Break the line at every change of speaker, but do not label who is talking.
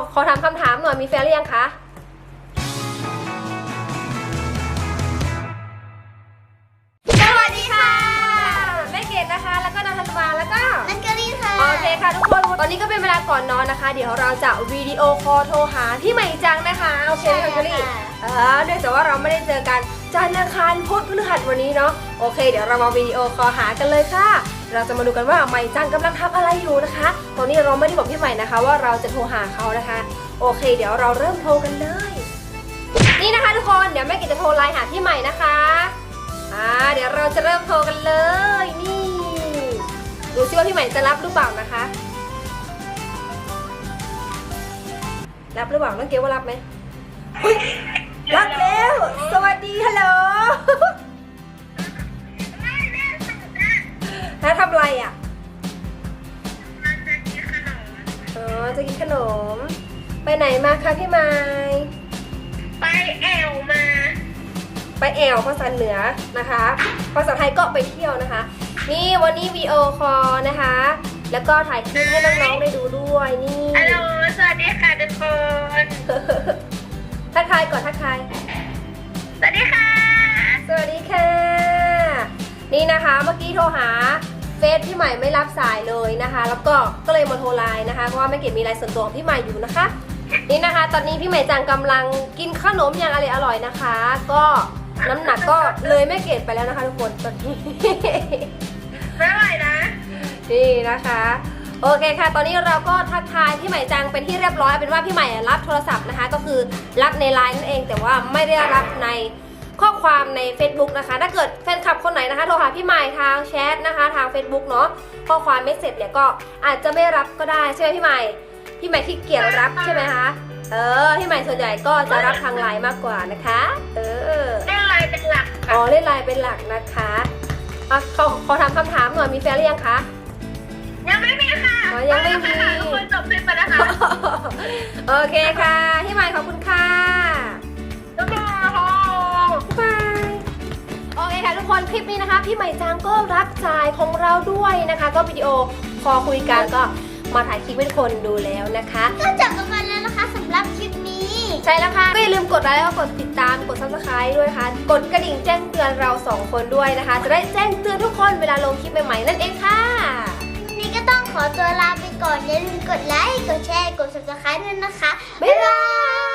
ขอถามคำถามหน่อยมีแฟนหรือยังคะสวัสดีค่ะแม่เกดนะคะแล้วก็น้องธันวาแล้วก็
นันกรีค่ะ
โอเคค่ะทุกคนตอนนี้ก็เป็นเวลาก่อนนอนนะคะเดี๋ยวเราจะวิดีโอคอลโทรหาพี่ใหม่จังนะคะโอเคค่ะกรีเนื่องจากว่าเราไม่ได้เจอกันจันทร์อังคารพุธพฤหัสวันนี้เนาะโอเคเดี๋ยวเรามาวิดีโอคอลหากันเลยค่ะเราจะมาดูกันว่าใหม่จังกำลังทำอะไรอยู่นะคะตอนนี้เราไม่ได้บอกพี่ใหม่นะคะว่าเราจะโทรหาเขานะคะโอเคเดี๋ยวเราเริ่มโทรกันเลยนี่นะคะทุกคนเดี๋ยวแม่เกดจะโทรไลน์หาพี่ใหม่นะคะเดี๋ยวเราจะเริ่มโทรกันเลยนี่ดูซิว่าพี่ใหม่จะรับหรือเปล่านะคะรับหรือเปล่าน้องเกลว่ารับไหมรับแล้วสวัสดีฮัลโหลถ้าทำอะไรอ่ะจะกินขนมไปไหนมาคะพี่ไม้
ไปแอวมา
ไปแอวภาษาเหนือนะคะภาษาไทยก็ไปเที่ยวนะคะนี่วันนี้วีดีโอคอลนะคะแล้วก็ถ่ายคลิปให้น้องๆได้ดูด้วยนี่
ฮัลโหลสวัสดีค่ะทุกคน
ทักทายก่อนทักทาย
สวัสดีค่ะ
สวัสดีค่ะนี่นะคะเมื่อกี้โทรหาเฟซพี่ใหม่ไม่รับสายเลยนะคะแล้วก็เลยมาโทรไลน์นะคะเพราะว่าแม่เกดมีไลน์ส่วนตัวของพี่ใหม่อยู่นะคะนี่นะคะตอนนี้พี่ใหม่จังกำลังกินขนมอย่างอร่อยนะคะ ก็น้ำหนักก็เลยแม่เกดไปแล้วนะคะทุกคนตอนนี้
ไม่ไหวนะ
นี่นะคะโอเคค่ะตอนนี้เราก็ทักทายพี่ใหม่จังเป็นที่เรียบร้อยเป็นว่าพี่ใหม่รับโทรศัพท์นะคะก็คือรับในไลน์นั่นเองแต่ว่าไม่ได้รับในข้อความใน Facebook นะคะถ้าเกิดแฟนคลับคนไหนนะคะโทรหาพี่ใหม่ทางแชทนะคะทาง Facebook เนาะข้อความไม่เสร็จเนี่ยก็อาจจะไม่รับก็ได้ใช่ไหมพี่ใหม่ขี้เกียจรับใช่ไหมคะพี่ใหม่ส่วนใหญ่ก็จะรับทางไลน์มากกว่านะคะ
เล่นไลน์เป็นหลัก
เล่นไลน์เป็นหลักนะคะขอถามคำถามหน่อยมีแฟนหรือยังคะ
ยังไม่มีค่ะ
ยังไม่มี
ทุกคนจบคลิปไปนะคะ
โอเคค่ะพี่ใหม่ขอบคุณค่ะ
บ๊ายบ
ายโอเคค่ะทุกคนคลิปนี้นะคะพี่ใหม่จังก็รับสายของเราด้วยนะคะก็วิดีโอคอลคุยกันก็มาถ่ายคลิปให้ทุกคนดูแล้วนะคะ
ก็จบกันไปแล้วนะคะสำหรับคลิปนี้
ใช่แล้วค่ะก็อย่าลืมกดไลค์แล้วก็กดติดตามกด Subscribe ด้วยค่ะกดกระดิ่งแจ้งเตือนเรา2คนด้วยนะคะจะได้แจ้งเตือนทุกคนเวลาลงคลิปใหม่ๆนั่นเองค่ะ
วันนี้ก็ต้องขอตัวลาไปก่อนอย่าลืมกดไลค์กดแชร์กด Subscribe ด้วยนะคะ
บ๊ายบาย